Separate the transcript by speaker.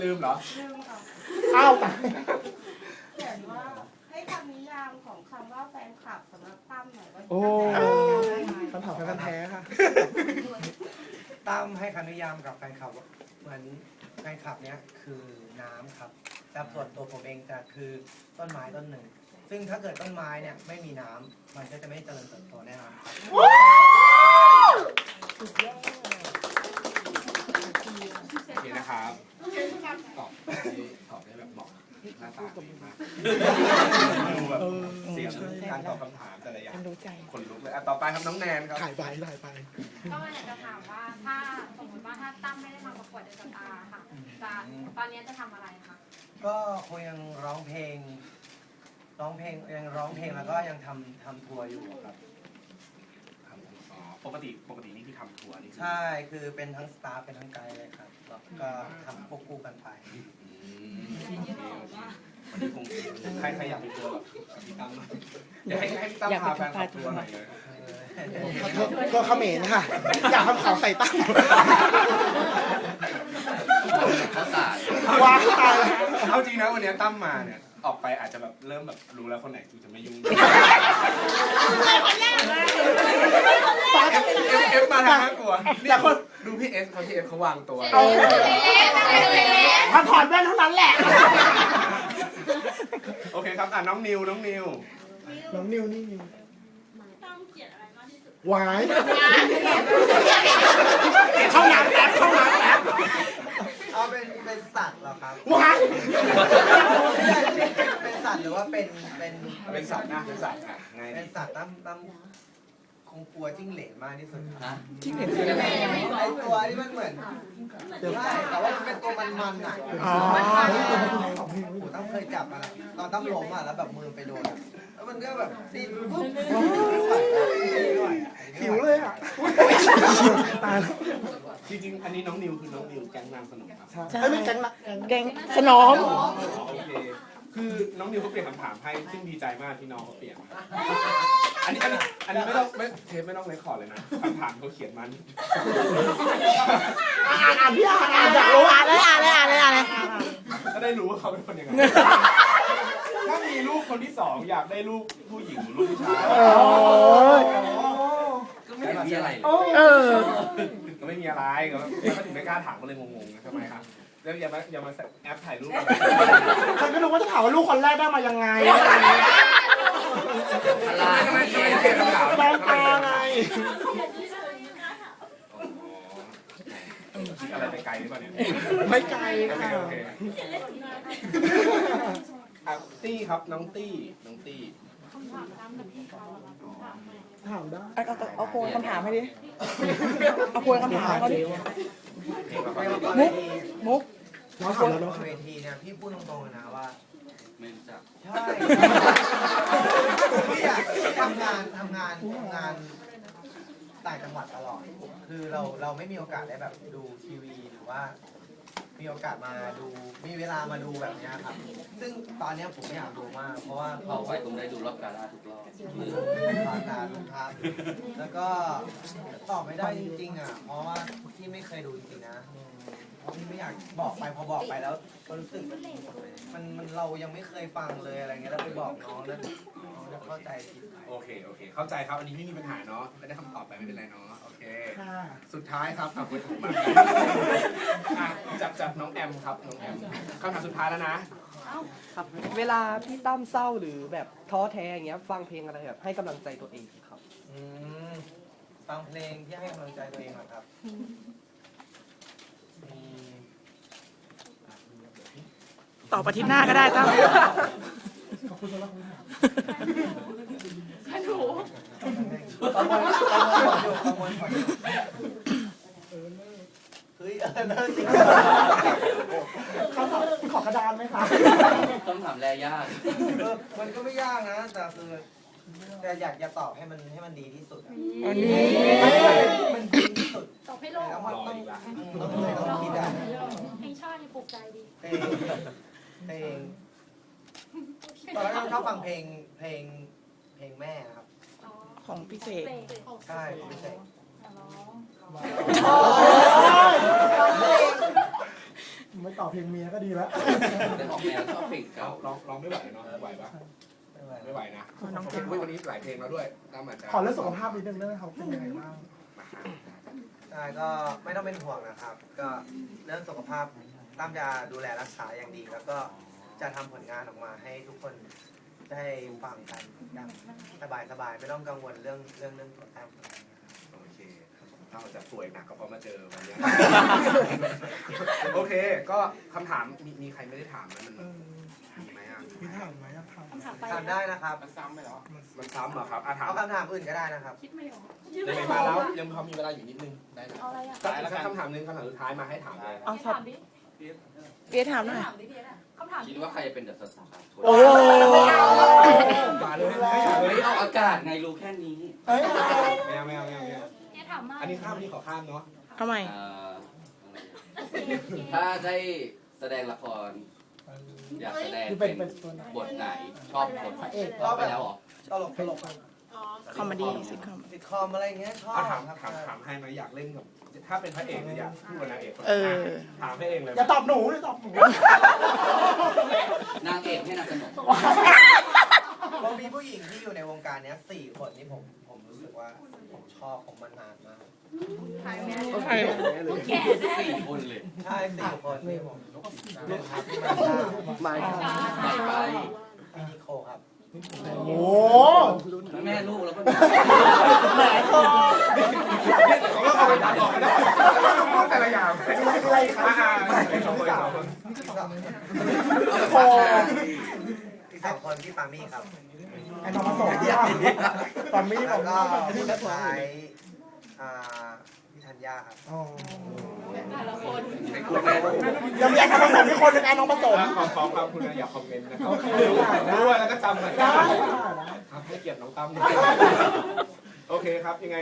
Speaker 1: ลืมเหรอ
Speaker 2: ลืมค่ะ
Speaker 3: อ้าวตาย
Speaker 2: เขียนว่าให้คำนิยามของคำว่าแฟนคลับสำหรับตั้มหน่อยว่า
Speaker 3: โอ้
Speaker 2: ได้ไหม
Speaker 3: คำถามแฟนแท้ค่ะ
Speaker 4: ตั้มให้คำนิยามกับแฟนคลับเหมือนแฟนคลับเนี้ยคือน้ำครับแต่ส่วนตัวผมเองจะคือต้นไม้ต้นหนึ่งซึ่งถ้าเกิดต้นไม้เนี่ยไม่มีน้ำมันก็จะไม่เจริญเติบโตแน่นอนครับ
Speaker 1: โอเคนะครับตอบได้แบบเหมาะหน้าตาดีมากดูแบบเสียงการตอบคำถามแต่ละอย่างคนลุกเลยต่อไปครับน้องแนนครับ
Speaker 3: ถ่ายไป
Speaker 5: ก็อยากจะถามว่าถ้าสมมติว่าถ้าตั้มไม่ได้มาประกวดเดอะสตาร์ค่ะจะตอนนี้จะทำอะไรคะ
Speaker 4: ก็คงยังร้องเพลงยังร้องเพลงแล้วก็ยังทำทัวร์อยู่ครับ
Speaker 1: อ๋อปกตินี่คือทำทัวร์นี่คือ
Speaker 4: ใช่คือเป็นทั้งสตาฟเป็นทั้งไกด์เลยครับแล้วก็ทำควบคู่กันไป
Speaker 1: วันนี้คงใครอยากไปทัวร์แบบพี่ตั้มอยากให้พี่ตั้มพาแฟนคลับทัวร์หน่อยเลย
Speaker 3: ก็เขมรค่ะ อยากทำข่าวใส่ตั้ง
Speaker 1: เขาสาย
Speaker 3: ว้าวตาย
Speaker 1: เอาจริงนะวันนี้ตั้มมาเนี่ยออกไปอาจจะแบบเริ่มแบบรู้แล้วคนไหนกูจะไม่ยุ่งเอฟมาทางน่ากลัวนี่คนดูพี่เอสเขาวางตัว
Speaker 3: ถ้าถอดแว่นเท่านั้นแหละ
Speaker 1: โอเคครับน้องนิว
Speaker 3: น้องนิวนี่
Speaker 5: ตั้มเกลียดอะไรมากที่สุด
Speaker 3: วายเข้าน้ำแป๊บ
Speaker 4: เอาเป็นสัตว์เหรอครับ
Speaker 3: วาย
Speaker 4: เป็นสัตว์หรือว่าเป็น
Speaker 1: เป็นสัตว์นะเป็นสัตว์ค่ะง่าย
Speaker 4: เป็นสัตว์ตั้มคงกลัวจิ้งเหลนมากที่สุดครับ
Speaker 3: ที่เห็นคืออะไร
Speaker 4: ไอตัวที่มันเหมือนใช่แต่ว่ามันเป็นตัวมันอ่ะ
Speaker 3: อ๋อ
Speaker 4: ผมตั้มเคยจับมันตอนตั้มล้มอ่ะแล้วแบบมือไปโดนแล้วมันก็แบบดิ้นปุ๊บ
Speaker 3: หิวเลยอ่ะตายแล้ว
Speaker 1: จริงๆอันนี้น้องนิวคือน้องนิวแก๊งนางสนุกครับ
Speaker 3: ใช่ไม่แก๊งละ
Speaker 6: แกงสนอม
Speaker 1: โอเคคือน้องนิวเขาเปลี่ยนคำถามให้ซึ่งดีใจมากที่น้องเขาเปลี่ยนอันนี้ไม่ต้องเทปไม่ต้องเลคคอร์ดเลยนะคำถามเขาเขียนมัน
Speaker 3: อ่านพี่อ่านอยากรู้
Speaker 6: อ่านเลย
Speaker 1: ก็ได้รู้ว่าเขาเป็นคนยังไงถ้ามีลูกคนที่สองอยากได้ลูกผู้หญิงหรือลูกผู้ชาย
Speaker 4: ก็ไม่มีอะไร
Speaker 1: ก็ไม่มีอะไรก็ถึงไม่กล้าถามก็เลยงงๆนะทำไมครับแล้วอย่ามาแอปถ่ายรูป
Speaker 3: ฉันไม่รู้ว่าจะถามว่าลูกคนแรกได้มายังไง
Speaker 1: ทำไมเปลี่ยนคำถาม
Speaker 3: แฟนตาไง
Speaker 1: คิดอะไรไปไกลหรือเปล่าเนี่ย
Speaker 3: ไม่ไกล
Speaker 1: โอเค
Speaker 3: ค่ะ
Speaker 1: โอเคตี้ครับน้องตี้
Speaker 3: ถามได้
Speaker 6: เอาโพยคำถามให้ดิ เอาโพยคำถามเขาดิ มุก
Speaker 3: น้องถามแล้ว
Speaker 4: บ
Speaker 3: เนาะ
Speaker 4: นเวทีเนี่ยพี่พูดตรงๆเลยนะว่า
Speaker 1: ไม่รู้จัก
Speaker 4: ใช่พี่อยากทำงานต่างจังหวัดตลอด คือเราไม่มีโอกาสได้แบบดูทีวีหรือว่า มีโอกาสมาดูมีเวลามาดูแบบนี้ครับ ซึ่งตอนนี้ผมไม่อยากดูมากเพราะว่าเขาไปตรงได้ดูรอบกาลาทุกรอบรอบกาลาทุกครับแล้วก็ตอบไม่ได้จริงๆอ่ะเพราะว่าที่ไม่เคยดูจริงๆนะที่ไม่อยากบอกไปพอบอกไปแล้วก็รู้สึกมันเรายังไม่เคยฟังเลยอะไรเงี้ยแล้วไปบอกน้องแล้วน้องจะเข้าใจผิด
Speaker 1: โอเคเข้าใจครับอันนี้ไม่มีปัญหาเนาะไม่ได้คำตอบไปไม่เป็นไรเนาะโอเค
Speaker 3: ค่ะ
Speaker 1: สุดท้ายครับคุยถูกมากจับน้องแอมครับน้องแอมคำถามสุดท้ายแล้วนะครับ
Speaker 7: เวลาพี่ตั้มเศร้าหรือแบบท้อแท้อย่างเงี้ยฟังเพลงอะไรแบบให้กำลังใจตัวเองครับ
Speaker 4: ฟังเพลงที่ให้กำลังใจตัวเองอะครับมี
Speaker 6: ตอบอาทิตย์หน้าก็ได้ตั้ม
Speaker 3: ขอบคุณสำหรับคำถาม
Speaker 4: ประมวลผลอยู่เฮ้ยเลิกจริง
Speaker 3: เขาขอกระดานไหมคะ
Speaker 8: ต้องถามแรยาก
Speaker 4: มันก็ไม่ยากนะแต่คือแต่อยากจะตอบให้มันดีที่สุดอะ
Speaker 6: อันนี้
Speaker 4: มันดีที่สุด
Speaker 5: ตอบให้โล
Speaker 4: แล้วมันต้องคิดอะ
Speaker 5: เพลงชาติปลุกใจดี
Speaker 4: เพลงตอนแรกเราชอบฟังเพลงแม่ครับ
Speaker 6: ของพิเศษ
Speaker 4: ใช่ไม่ใช่
Speaker 3: มไม่ต่อเพลงเมียก็ดีแล้ว
Speaker 8: แต่ออกแนวชอบเพลงเก่า
Speaker 1: ร้องไม่ไหวเนาะไหวปะไม่ไหวนะ
Speaker 6: น้อง
Speaker 1: โอเควันนี้หลายเพลงแล้วด้วยตามอาจารย์
Speaker 3: ขอเรื่องสุขภาพนิดนึงได้ไหมครับเป็นยังไงบ้าง
Speaker 4: ใช่ก็ไม่ต้องเป็นห่วงนะครับ ก็เรื่องสุขภาพตั้มจะดูแลรักษาอย่างดี แล้วก็จะทำผลงานออกมาให้ทุกคนได้ฟังกันอย่างสบายๆไม่ต้องกังวลเรื่องตัวแต้ม
Speaker 1: โอเคถ้ามันจะป่วยหนักก็เพราะมาเจอวันนี้โอเค ก็คำถามมีใครไม่ได้ถามไหมมันมีไหมอ่ะ
Speaker 3: พี่ถามไหมอยากถาม
Speaker 4: ถามได้นะครับ
Speaker 1: มันซ้ำเหรอครับถาม
Speaker 4: เอาคำถามอื่นก็ได้นะครับ
Speaker 1: ไหนๆมาแล้วยังพอมีเวลาอยู่นิดนึงได้นะสักคำถามหนึงคำถามสุดท้ายมาให้ถามเลย
Speaker 6: เอาถามเบียร์ถามหน่อย
Speaker 8: คิดว่าใครจะเป็นเดอะสตาร์
Speaker 3: โอ้
Speaker 1: มาเลย
Speaker 8: ไม่เอาอากาศไงรู้แค่นี้
Speaker 3: เอ้ย
Speaker 1: ไม่เอา
Speaker 5: เนี่ยถามมา
Speaker 1: อันนี้ข้ามอันนี้ขอข้ามเนาะ
Speaker 6: เอาใหม่
Speaker 8: ถ้าได้แสดงละคร อยากแสดง
Speaker 3: คือ
Speaker 8: เป็
Speaker 3: เป็น นตัวไหน
Speaker 8: บทไหนชอบบท
Speaker 3: พระเอก
Speaker 8: ชอบไปแล้วเหรอ
Speaker 4: ตลก
Speaker 6: คอมเมดี้ซิทคอม
Speaker 4: ซิทคอมอะไรเงี้ยชอบ
Speaker 1: ถาม
Speaker 4: ครับ
Speaker 1: ถามให้ไหมอยากเล่นกับถ้าเป็นพระเอกเนี่ยอยากคู่กับนางเอกคน
Speaker 6: เอ
Speaker 1: ไหน
Speaker 6: อ
Speaker 1: ถามให้เองเลย
Speaker 3: อย่าตอบหนูอย่าตอบหนู
Speaker 8: นางเอกให้นางสนม
Speaker 4: เรามีผู้หญิงที่อยู่ในวงการเนี้ย4 คนนี่ผมรู้สึกว่าผมชอบผมมานานมาก
Speaker 5: ถ่ายแม่
Speaker 6: ใคร
Speaker 5: แก่ได้
Speaker 8: 4 คนเลย
Speaker 4: ใช่4 คนนี่ผมลูกครับพี่มาชา
Speaker 7: มา
Speaker 8: ใหญ่ไป
Speaker 4: พี่นิโคครับ
Speaker 3: โอ้
Speaker 8: แม่ลูกแล้วก็
Speaker 3: แหมคอ
Speaker 1: เขาก็เอาไปตัดต่อกันได้พูดแต่ละอย่าง
Speaker 3: อะไรครับ
Speaker 1: อีกสองคน
Speaker 3: โอ้
Speaker 4: อีก2 คนพี่ปามี่ครับ
Speaker 3: ไอ้น้องมาส่งตอนไม่ได้บ
Speaker 4: แล้
Speaker 3: อ
Speaker 4: ว
Speaker 3: ก
Speaker 4: ก็
Speaker 3: ว่า
Speaker 4: พี่สุดท้ายพี่ธัญญาครับ
Speaker 3: อ๋อ
Speaker 5: แต่ละคน
Speaker 8: ในคุณแม่ลูก
Speaker 3: ยังมีไอ้น้องผสมที่คนหนึงไอ้น้องผสม
Speaker 1: ขอความคุณอย่าคอมเมนต์นะครับ
Speaker 3: โอเค
Speaker 1: รู้แล้วก็จำไว้
Speaker 3: ได้
Speaker 1: ครับให้เกียรติน้องตั้มโอเคครับยังไง